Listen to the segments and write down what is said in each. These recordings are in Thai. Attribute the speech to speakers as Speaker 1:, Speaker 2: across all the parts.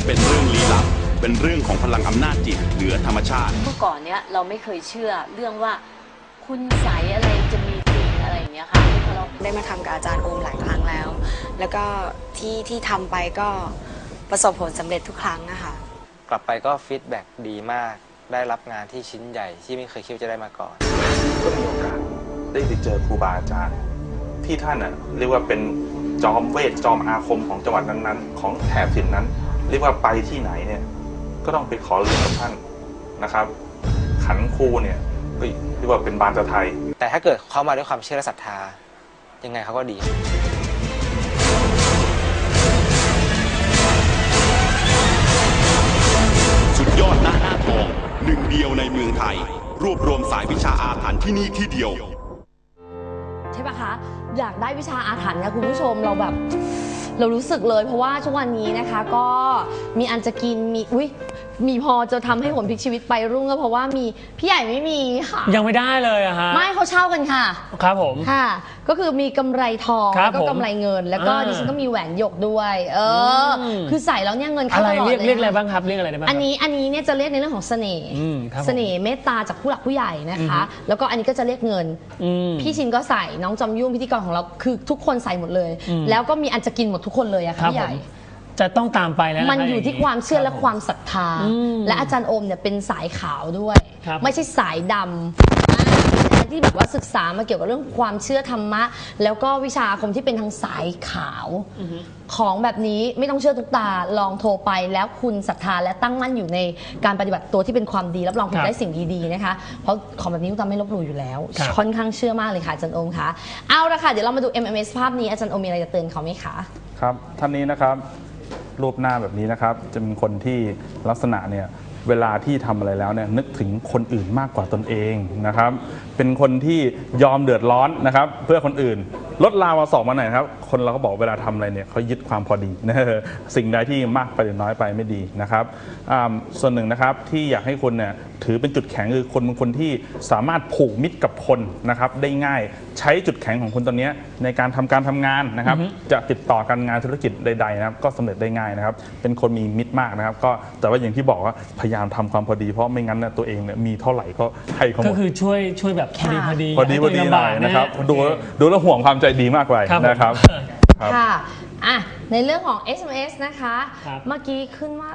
Speaker 1: เป็นเรื่องลี้ลับเป็นเรื่องของพลังอำนาจจิตเหนือธรรมชาติ
Speaker 2: เมื่อก่อนเนี้ยเราไม่เคยเชื่อเรื่องว่าคุณไสยอะไรจะมีจริงอะไรอย่างเงี้ยค่ะพอเรา
Speaker 3: ได้มาทำกับอาจารย์โอมหลายครั้งแล้วแล้วก็ที่ทำไปก็ประสบผลสำเร็จทุกครั้งนะคะ
Speaker 4: กลับไปก็ฟีดแบ็กดีมากได้รับงานที่ชิ้นใหญ่ที่ไม่เคยคิดจะได้มาก่อน
Speaker 5: ก็มีโอกาสได้ไปเจอครูบาอาจารย์ที่ท่านเรียกว่าเป็นจอมเวทจอมอาคมของจังหวัดนั้นๆของแถบถิ่นนั้นเรียกว่าไปที่ไหนเนี่ยก็ต้องไปขอเรียนกับท่านนะครับขันครูเนี่ยเรียกว่าเป็นบานตะไทย
Speaker 4: แต่ถ้าเกิดเขามาด้วยความเชื่อและศรัทธายังไงเขาก็ดี
Speaker 1: สุดยอดหน้าทองหนึ่งเดียวในเมืองไทยรวบรวมสายวิชาอาถรรพ์ที่นี่ที่เดียว
Speaker 6: ใช่ปะคะอยากได้วิชาอาถรรพ์นะคุณผู้ชมเรารู้สึกเลยเพราะว่าช่วงวันนี้นะคะก็มีอันจะกินมีพอจะทำให้ผลพลิกชีวิตไปรุ่งก็เพราะว่ามีพี่ใหญ่ไม่มีค่ะ
Speaker 7: ยังไม่ได้เลยอะฮะ
Speaker 6: ไม่เขาเช่ากันค่ะ
Speaker 7: ครับผม
Speaker 6: ค่ะก็คือมีกำไรทองแล้วก็กำไรเงินแล้วก็ดิฉันก็มีแหวนหยกด้วยคือใส่แล้วเนี่ยเงินเข้าตลอดเลย
Speaker 7: เรียกอะไรบ้างครับเรียกอะไรได้บ้าง
Speaker 6: อันนี้เนี่ยจะเรียกในเรื่องของเสน่ห์เมตตาจากผู้หลักผู้ใหญ่นะคะแล้วก็อันนี้ก็จะเรียกเงินพี่ชินก็ใส่น้องจอมยุ่งพิธีกรของเราคือทุกคนใส่หมดเลยแล้วก็มีอันจะกินหมดทุกคนเลยอะค่ะพี่ใหญ่
Speaker 7: จะต้องตามไปแล้ว
Speaker 6: มันอยู่ที่ความเชื่อและความศรัทธาและอาจารย์โอมเนี่ยเป็นสายขาวด้วยไม่ใช่สายดำที่แบบว่าศึกษามาเกี่ยวกับเรื่องความเชื่อธรรมะแล้วก็วิชาอาคมที่เป็นทางสายขาวของแบบนี้ไม่ต้องเชื่อทุกตาลองโทรไปแล้วคุณศรัทธาและตั้งมั่นอยู่ในการปฏิบัติตัวที่เป็นความดีรับรองคุณได้สิ่งดีๆนะคะเพราะของแบบนี้คุณตาไม่ลบหลู่อยู่แล้วค่อนข้างเชื่อมากเลยค่ะอาจารย์โอมคะเอาละค่ะเดี๋ยวเรามาดู MMS ภาพนี้อาจารย์โอมมีอะไรจะเตือนเขาไหมคะ
Speaker 5: ครับท่านนี้นะครับรูปหน้าแบบนี้นะครับจะเป็นคนที่ลักษณะเนี่ยเวลาที่ทำอะไรแล้วเนี่ยนึกถึงคนอื่นมากกว่าตนเองนะครับเป็นคนที่ยอมเดือดร้อนนะครับเพื่อคนอื่นลดลาวาสอกมาหน่อยครับคนเราก็บอกเวลาทำอะไรเนี่ยเขายึดความพอดีนะสิ่งใดที่มากไปหรือน้อยไปไม่ดีนะครับส่วนหนึ่งนะครับที่อยากให้คนเนี่ยถือเป็นจุดแข็งคือคนบางคนที่สามารถผูกมิตรกับคนนะครับได้ง่ายใช้จุดแข็งของคนตอนนี้ในการทำงานนะครับจะติดต่อการงานธุรกิจใดๆนะครับก็สำเร็จได้ง่ายนะครับเป็นคนมีมิตรมากนะครับก็แต่ว่าอย่างที่บอกว่าพยายามทำความพอดีเพราะไม่งั้นตัวเองเนี่ยมีเท่าไหร่ก็ให้เขาหมด
Speaker 7: ก็คือช่วยแบบพอดี
Speaker 5: หน่อยนะครับดูแล้วห่วงความใจดีมากเลยนะครับ
Speaker 6: ค่ะในเรื่องของ SMS นะคะเมื่อกี้ขึ้นว่า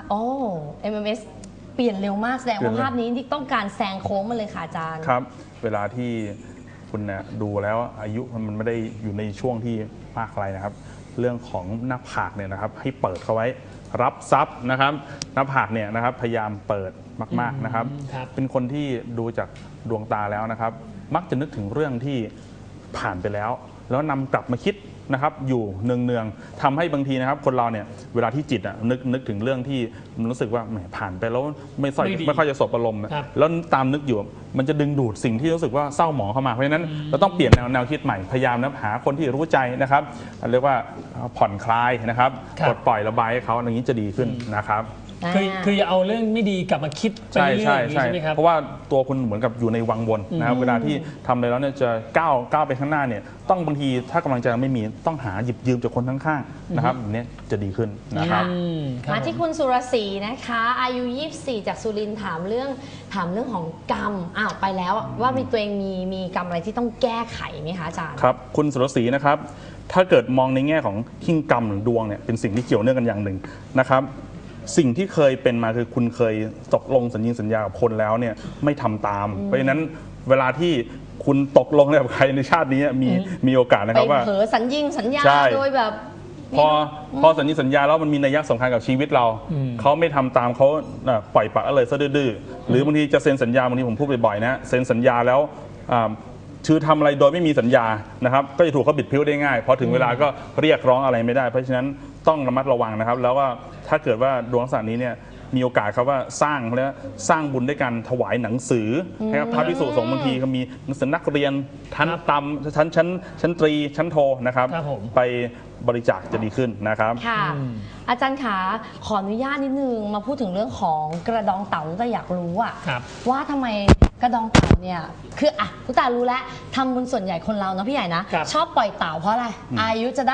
Speaker 6: MMS เปลี่ยนเร็วมากแสดงว่าภาพนี้ที่ต้องการแซงโค้งมาเลยค่ะอาจารย์
Speaker 5: ครับเวลาที่คุณเนี่ยดูแล้วอายุมันไม่ได้อยู่ในช่วงที่มากอะไรนะครับเรื่องของหน้าผากเนี่ยนะครับให้เปิดเข้าไว้รับทรัพย์นะครับหน้าผากเนี่ยนะครับพยายามเปิดมากๆนะครับเป็นคนที่ดูจากดวงตาแล้วนะครับมักจะนึกถึงเรื่องที่ผ่านไปแล้วนำกลับมาคิดนะครับอยู่เนืองๆทำให้บางทีนะครับคนเราเนี่ยเวลาที่จิตนึกถึงเรื่องที่มันรู้สึกว่าแหมผ่านไปแล้วไม่ค่อยจะสบอารมณ์แล้วตามนึกอยู่มันจะดึงดูดสิ่งที่รู้สึกว่าเศร้าหมองเข้ามาเพราะฉะนั้นเราต้องเปลี่ยนแนวคิดใหม่พยายามนะหาคนที่รู้ใจนะครับเรียกว่าผ่อนคลายนะครับปลดปล่อยระบายให้เขาอย่างนี้จะดีขึ้นนะครับ
Speaker 7: คืออย่าเอาเรื่องไม่ดีกลับมาคิดไปเรื่อยๆใช่ไหมครับ
Speaker 5: เพราะว่าตัวคุณเหมือนกับอยู่ในวังวนนะครับเวลาที่ทำอะไรแล้วเนี่ยจะก้าวไปข้างหน้าเนี่ยต้องบางทีถ้ากำลังใจไม่มีต้องหาหยิบยืมจากคนข้างๆนะครับแบบนี้จะดีขึ้นนะครับ
Speaker 6: มาที่คุณสุรศรีนะคะอายุ24จากสุรินทร์ถามเรื่องของกรรมไปแล้วว่ามีตัวเองมีกรรมอะไรที่ต้องแก้ไขไหมคะอาจารย์
Speaker 5: ครับคุณสุรศรีนะครับถ้าเกิดมองในแง่ของหิ้งกรรมหรือดวงเนี่ยเป็นสิ่งที่เกี่ยวเนื่องกันอย่างหนึ่งนะครับสิ่งที่เคยเป็นมาคือคุณเคยตกลงสัญญากับคนแล้วเนี่ยไม่ทำตามเพราะฉะนั้นเวลาที่คุณตกลงกับใครในชาตินี้มีโอกาสนะครับว่า
Speaker 6: เผลอสัญญาโดยแบบ
Speaker 5: พอสัญญาแล้วมันมีนัยยะสำคัญกับชีวิตเราเขาไม่ทำตามเขาปล่อยปละเลยซะดื้อหรือบางทีจะเซ็นสัญญาบางทีผมพูดบ่อยๆนะเซ็นสัญญาแล้วชื่อทำอะไรโดยไม่มีสัญญานะครับก็จะถูกเขาบิดพิ้วได้ง่ายพอถึงเวลาก็เรียกร้องอะไรไม่ได้เพราะฉะนั้นต้องระมัดระวังนะครับแล้วว่าถ้าเกิดว่าดวงลักษณะนี้เนี่ยมีโอกาสครับว่าสร้างบุญด้วยการถวายหนังสือนะครับพระภิกษุสงฆ์บางทีก็มีหนังสือนักเรียนชั้นต่ำชั้นตรีชั้นโทนะครับไปบริจาคจะดีขึ้นนะครับ
Speaker 6: ค่ะอาจารย์ขาขออนุญาตนิดนึงมาพูดถึงเรื่องของกระดองเต่าแต่อยากรู้ว่าทำไมกระดองเต่าเนี่ยคือทุกตารู้แล้วทำบุญส่วนใหญ่คนเราเนาะพี่ใหญ่นะชอบปล่อยเต่าเพราะอะไรอายุจะได้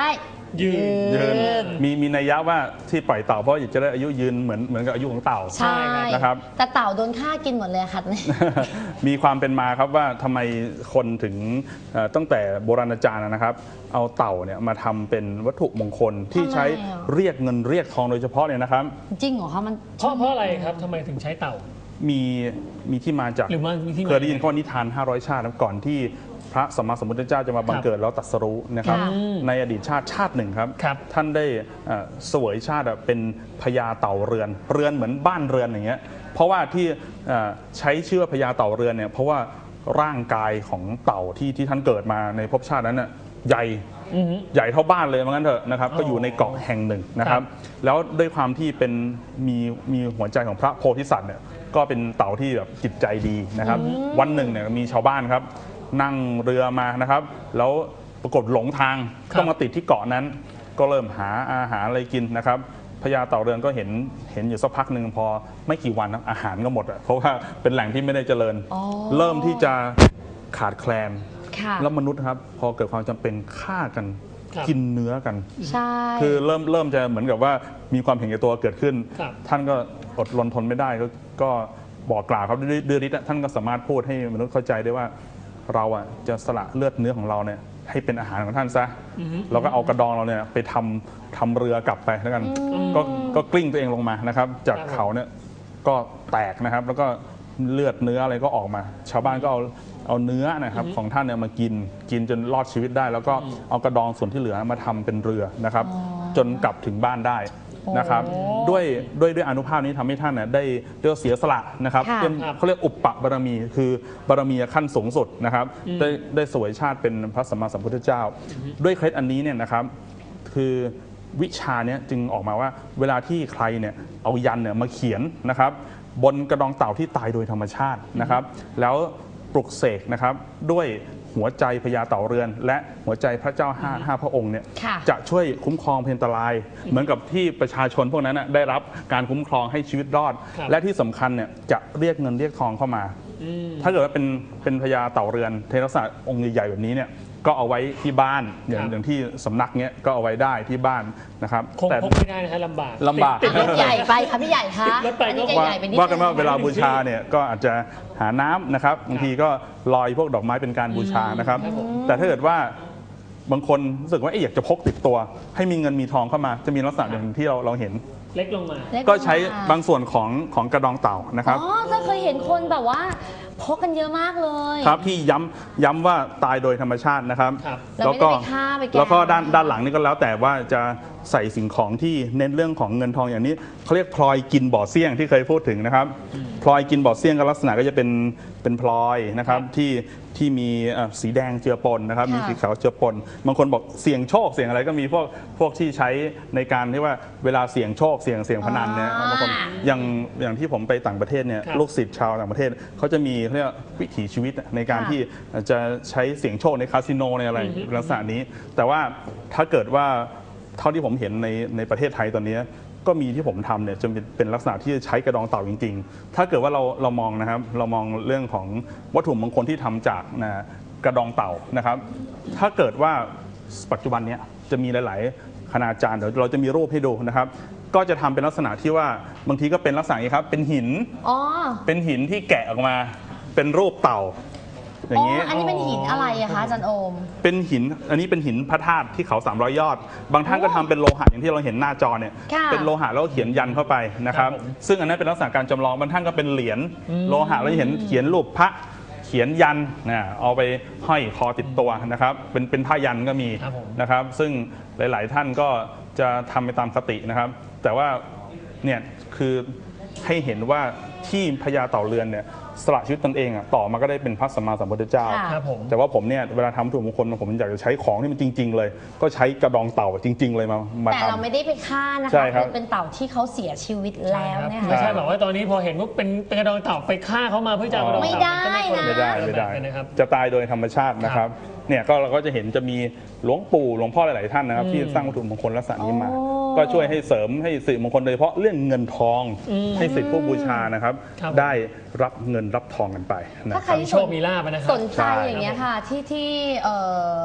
Speaker 7: ยืน
Speaker 5: มีนัยยะว่าที่ปล่อยเต่าเพราะอยากจะได้อายุยืนเหมือนกับอายุของเต่า
Speaker 6: ใช่
Speaker 5: นะครับ
Speaker 6: แต่เต่าโดนฆ่ากินหมดเลยค่ะ
Speaker 5: มีความเป็นมาครับว่าทำไมคนถึงตั้งแต่โบราณกาลนะครับ เอาเต่าเนี่ยมาทำเป็นวัตถุมงคลที่ใช้
Speaker 6: ทำไมอ่ะ
Speaker 5: เรียกเงินเรียกทองโดยเฉพาะเนี่ยนะครับ
Speaker 6: จริงเหรอคะมัน
Speaker 7: เพราะอะไรครับทำไมถึงใช้เต่า
Speaker 5: มีที่มาจาก
Speaker 7: หรือว่ามีที่มา
Speaker 5: เคยได้ยินข้อนิทาน 500 ชาตินะก่อนที่พระสัมมาสัมพุทธเจ้าจะมาบังเกิดแล้วตรัสรู้นะครับ
Speaker 6: ค่ะ
Speaker 5: ในอดีตชาติหนึ่งครับ
Speaker 7: ครับ
Speaker 5: ท่านได้เสวยชาติเป็นพญาเต่าเรือนเหมือนบ้านเรือนอย่างเงี้ยเพราะว่าที่ใช้ชื่อว่าพญาเต่าเรือนเนี่ยเพราะว่าร่างกายของเต่าที่ท่านเกิดมาในภพชาตินั้นน่ะใหญ่เท่าบ้านเลยเหมือนกันเถอะนะครับก็อยู่ในเกาะแห่งหนึ่งนะครับแล้วด้วยความที่เป็นมีหัวใจของพระโพธิสัตว์เนี่ยก็เป็นเต่าที่แบบจิตใจดีนะครับวันหนึ่งเนี่ยมีชาวบ้านครับนั่งเรือมานะครับแล้วปรากฏหลงทางต้องมาติดที่เกาะนั้น ก็เริ่มหาอาหารอะไรกินนะครับพญาเต่าเรือนก็เห็นอยู่สักพักหนึ่งพอไม่กี่วันนะอาหารก็หมดเพราะว่าเป็นแหล่งที่ไม่ได้เจริญ เริ่มที่จะขาดแคลน
Speaker 6: ค่ะ
Speaker 5: แล้วมนุษย์ครับพอเกิดความจำเป็นฆ่ากัน
Speaker 7: ครับ
Speaker 5: กินเนื้อกัน
Speaker 6: ใช่
Speaker 5: คือเริ่มจะเหมือนกับว่ามีความเห็นแก่ตัวเกิดขึ้น
Speaker 7: ครับ
Speaker 5: ท่านก็อดรนทนไม่ได้ก็บอกกล่าวครับด้วยฤทธิ์ท่านก็สามารถพูดให้มนุษย์เข้าใจได้ว่าเราอ่ะจะสละเลือดเนื้อของเราเนี่ยให้เป็นอาหารของท่านซะแล้วก็เอากระดองเราเนี่ยไปทำเรือกลับไปแล้วกันก็กลิ้งตัวเองลงมานะครับ จากเขาเนี่ยก็แตกนะครับ แล้วก็เลือดเนื้ออะไรก็ออกมา ชาวบ้านก็เอาเนื้อนะครับของท่านเนี่ยมากินจนรอดชีวิตได้ แล้วก็เอากระดองส่วนที่เหลือมาทำเป็นเรือนะครับ จนกลับถึงบ้านได้นะครับด้วยอานุภาพนี้ทำให้ท่านเนี่ยได้เสียสละนะครับ
Speaker 6: ค่ะ
Speaker 5: เป็นเขาเรียกอุปปบารมี คือบารมีขั้นสูงสุดนะครับได้สวยชาติเป็นพระสัมมาสัมพุทธเจ้า ด้วยเคล็ดอันนี้เนี่ยนะครับคือวิชาเนี้ยจึงออกมาว่าเวลาที่ใครเนี่ยเอายันเนี่ยมาเขียนนะครับบนกระดองเต่าที่ตายโดยธรรมชาตินะครับแล้วปลุกเสกนะครับด้วยหัวใจพญาเต่าเรือน และหัวใจพระเจ้าห้าพระองค์เนี่ย
Speaker 6: ค่ะ
Speaker 5: จะช่วยคุ้มครองเพนตราย เหมือนกับที่ประชาชนพวกนั้นนะได้รับการคุ้มครองให้ชีวิตรอด
Speaker 7: ครับ
Speaker 5: และที่สำคัญเนี่ยจะเรียกเงินเรียกทองเข้ามา ถ้าเกิดว่าเป็นพญาเต่าเรือนเทลักษณะองค์ใหญ่ๆแบบนี้เนี่ยก็เอาไว้ที่บ้านอย่างที่สำนักเนี้ยก็เอาไว้ได้ที่บ้านนะครับ
Speaker 7: คงพกไม่ได้นะฮะลำบาก
Speaker 5: ลำบาก
Speaker 7: ติดรถ
Speaker 6: ใหญ่ไปค่ะพี่ใหญ่คะ
Speaker 7: รถไป
Speaker 6: อันนี้
Speaker 7: ก็
Speaker 6: ใหญ่ๆไปนิด
Speaker 5: ว่ากันว่า
Speaker 6: นึง
Speaker 5: เวลาบูชาเนี่ยก็อาจจะหาน้ำนะครับบางทีก็ลอยพวกดอกไม้เป็นการบูชานะครับ แต่ถ้าเกิดว่าบางคนรู้สึกว่าอยากจะพกติดตัว ให้มีเงินมีทองเข้ามาจะมีลักษณะอย่างที่เราเห็น
Speaker 7: เล็กลงมา
Speaker 5: ก็ใช้บางส่วนของกระดองเต่านะครับ
Speaker 6: อ๋อจะเคยเห็นคนแบบว่าพกกันเยอะมากเลย
Speaker 5: ครับที่ย้ำว่าตายโดยธรรมชาตินะครับ
Speaker 7: ครับ
Speaker 6: เราไม่ได้ไปฆ่าไปแกล้ง
Speaker 5: แล้วก็ด้านหลังนี่ก็แล้วแต่ว่าจะใส่สิ่งของที่เน้นเรื่องของเงินทองอย่างนี้เขาเรียกพลอยกินบ่อเสี่ยงที่เคยพูดถึงนะครับพลอยกินบ่อเสี่ยงก็ลักษณะก็จะเป็นพลอยนะครับที่มีสีแดงเจือปนนะครับมีสีขาวเจือปนบางคนบอกเสี่ยงโชคเสี่ยงอะไรก็มีพวกที่ใช้ในการที่ว่าเวลาเสี่ยงโชคเสี่ยงพนันเนี่ยบางคนอย่างที่ผมไปต่างประเทศเนี่ย
Speaker 7: ครับ
Speaker 5: ลูกศิษย์ชาวต่างประเทศเขาจะมีเรียกว่าวิถีชีวิตในการที่จะใช้เสี่ยงโชคในคาสิโนในอะไรลักษณะนี้ แต่ว่าถ้าเกิดว่าเท่าที่ผมเห็นในประเทศไทยตอนนี้ก็มีที่ผมทำเนี่ยจะเป็นลักษณะที่ใช้กระดองเต่าจริงๆ ถ้าเกิดว่าเรามองนะครับเรามองเรื่องของวัตถุมงคลที่ทำจากกระดองเต่านะครับ ถ้าเกิดว่าปัจจุบันเนี้ยจะมีหลายๆคณาจารย์เดี๋ยวเราจะมีรูปให้ดูนะครับ ก็จะทำเป็นลักษณะที่ว่าบางทีก็เป็นลักษณะนี้ครับเป็นหิน
Speaker 6: อ๋อ
Speaker 5: เป็นหินที่แกะออกมาเป็นรูปเต่าอย่างนี้
Speaker 6: อันนี้เป็นหินอะไรอะคะอาจารย์โอม
Speaker 5: เป็นหิน อันนี้เป็นหินพระธาตุที่เขา300 ยอด บางท่านก็ทำเป็นโลหะอย่างที่เราเห็นหน้าจอเนี่ย
Speaker 6: ค่ะ
Speaker 5: เป็นโลหะแล้วก็เขียนยันเข้าไปนะครับ
Speaker 7: ครับผม
Speaker 5: ซึ่งอันนั้นเป็นลักษณะการจำลอง บางท่านก็เป็นเหรียญโลหะแล้วเห็นเขียนรูปพระ เขียนยันเอาไปห้อยคอติดตัวนะครับ เป็นผ้ายันก็มี
Speaker 7: ครับผม
Speaker 5: นะครับ ซึ่งหลาย ๆ ท่านก็จะทำไปตามคตินะครับ แต่ว่าเนี่ยคือให้เห็นว่าที่พญาเต่าเรือนเนี่ยสละชีวิตตนเองต่อมาก็ได้เป็นพระสัมมาสัมพุทธเจ้า
Speaker 6: ค่ะ
Speaker 7: ครับผม
Speaker 5: แต่ว่าผมเนี่ยเวลาทำวัตถุมงคลผมอยากจะใช้ของที่มันจริง ๆ เลย ก็ใช้กระดองเต่าจริง ๆ เลยมา
Speaker 6: แต่เรา
Speaker 5: ทำ
Speaker 6: ไม่ได้ไปฆ่านะ
Speaker 5: ใช่
Speaker 6: คะ
Speaker 5: ครับ
Speaker 6: คือเป็นเต่าที่เขาเสียชีวิตแล้วนะ
Speaker 7: ไม่
Speaker 6: คะ
Speaker 7: ใช่แบบว่าตอนนี้พอเห็นว่าเป็นกระดองเต่าไปฆ่าเขามาเพื่อจะเอากระดองเต่า
Speaker 6: ไม่ได้นะ
Speaker 5: ไม่ได้
Speaker 7: นะครับ
Speaker 5: จะตายโดยธรรมชาตินะครับเนี่ยก็เราก็จะเห็นจะมีหลวงปู่หลวงพ่อหลายๆท่านนะครับที่สร้างวัตถุมงคลลักษณะนี้มา
Speaker 6: โอ้
Speaker 5: ก็ช่วยให้เสริมให้สิริมงคลโดยเฉพาะเรื่องเงินทองให้สิทธิผู้บูชานะครับ
Speaker 7: ครับ
Speaker 5: ได้รับเงินรับทองกันไปนะ
Speaker 6: ถ้า
Speaker 5: ค
Speaker 6: ใคร
Speaker 5: รับ
Speaker 7: มีโชคมีลาภนะครับ
Speaker 6: สนใจอย่างเงี้ยค่ะที่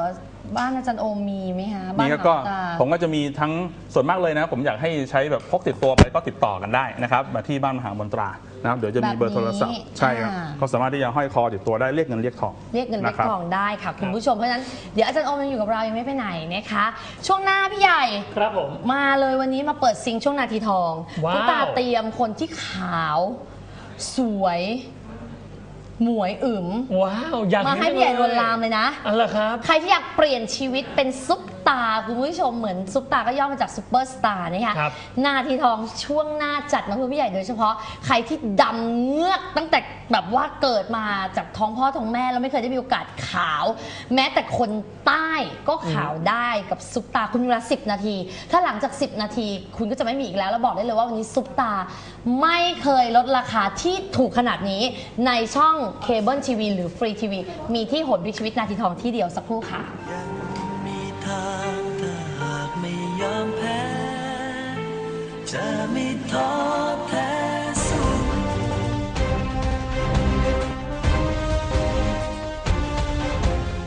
Speaker 6: บ้านอาจารย์โอมมีไหมคะ
Speaker 5: มี
Speaker 6: บ้าน
Speaker 5: ก็
Speaker 6: หาตา
Speaker 5: ผมก็จะมีทั้งส่วนมากเลยนะผมอยากให้ใช้แบบพกติดตัวไปก็ติดต่อกันได้นะครับมาที่บ้านมหามนตรานะครับเดี๋ยวจะมีเบอร์โทรศัพท์ใช่ครับก็สามารถที่จะห้อยคอติดตัวได้เรียกเงินเรียกทอง
Speaker 6: เรียกเงินเรียก
Speaker 5: ะครับ
Speaker 6: ทองได้ค่ะคุณผู้ชมเพราะฉะนั้นเดี๋ยวอาจารย์โอมยังอยู่กับเรายังไม่ไปไหนนะคะ ช่วงหน้าพี่ใหญ่
Speaker 7: ครับผม
Speaker 6: มาเลยวันนี้มาเปิดซิงช่วงนาทีทอง
Speaker 7: ว้าว
Speaker 6: ตุ๊กตาเตรียมคนที่ขาว สวยหมวยอึ๋ม
Speaker 7: ว้าวอยาก
Speaker 6: มาให้พี่ใหญ่ลวนลามเลยนะ
Speaker 7: อันละครับ
Speaker 6: ใครที่อยากเปลี่ยนชีวิตเป็นซุปตาร์คุณผู้ชมเหมือนซุปตาร์ก็ย่อมาจากซุปเปอร์สตาร์นะคะ
Speaker 7: ครับ
Speaker 6: นาทีทองช่วงหน้าจัดมาเพื่อพี่ใหญ่โดยเฉพาะใครที่ดำเงือกตั้งแต่แบบว่าเกิดมาจากท้องพ่อท้องแม่แล้วไม่เคยได้มีโอกาสขาว แม้แต่คนใต้ก็ขาวได้กับซุปตาคุณมีเวลา10 นาที ถ้าหลังจาก10 นาทีคุณก็จะไม่มีอีกแล้วบอกได้เลยว่าวันนี้ซุปตาไม่เคยลดราคาที่ถูกขนาดนี้ในช่องเคเบิลทีวีหรือฟรีทีวีมีที่หนวิชีวิตนาทีทองที่เดียวสักครู่ค่ะ
Speaker 8: ยังมีทางถ้าหากไม่ยอมแพ้ จะไม่ท้อ